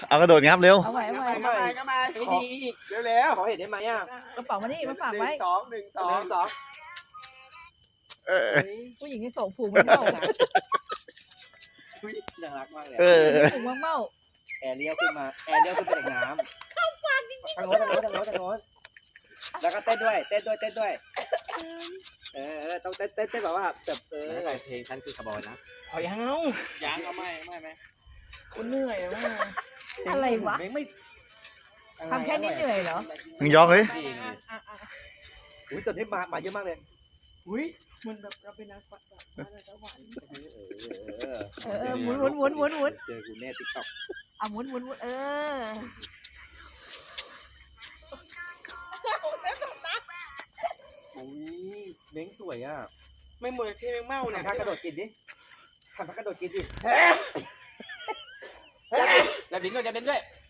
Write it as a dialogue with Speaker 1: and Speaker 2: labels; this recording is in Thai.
Speaker 1: เอากระโดดงับเร็ว
Speaker 2: เอาไว้เอาไว้
Speaker 3: ก็มาเร็วๆขอเห็นได้ไหมอ่ะ
Speaker 2: กระเป๋ามานี่มาฝากไว้
Speaker 3: หนึ่งสอง
Speaker 2: ผู้หญิงที่ส่งผูกมันเมา
Speaker 3: น่ารักมากเลย
Speaker 2: ผูกมันเมา
Speaker 3: แอร์เลี้ยวขึ้นมาแอร์เลี้ยวขึ้นไปจากน้ำเข้าฟันจริงๆทางโน้นแล้วก็เต้นด้วยต้องเต้นแบบว่าแบบอะไรเพลงฉันคือคาร์บอนนะขอยังเอาไม่คุณเหนื่อยมาก
Speaker 2: อะไรวะทำแค่นี้เหนื่อยเหรอ
Speaker 1: มึงยอกเลย
Speaker 3: อุ้ยตอนนี้มาเยอะมากเลย
Speaker 2: อุ้ยมันแบบเราเป็นนักปัดแบบสวรรค์หมุน
Speaker 3: เจอกูแน่ติ๊กต็อก
Speaker 2: หมุน
Speaker 3: อุ้ยเม้งสวยอ่ะ
Speaker 4: ไม่เหมือนที่เมาเนี่ย
Speaker 3: ทำท่ากระโดดกินดิทำท่ากระโดดกินดิ
Speaker 4: แล้วดิ้นด้วย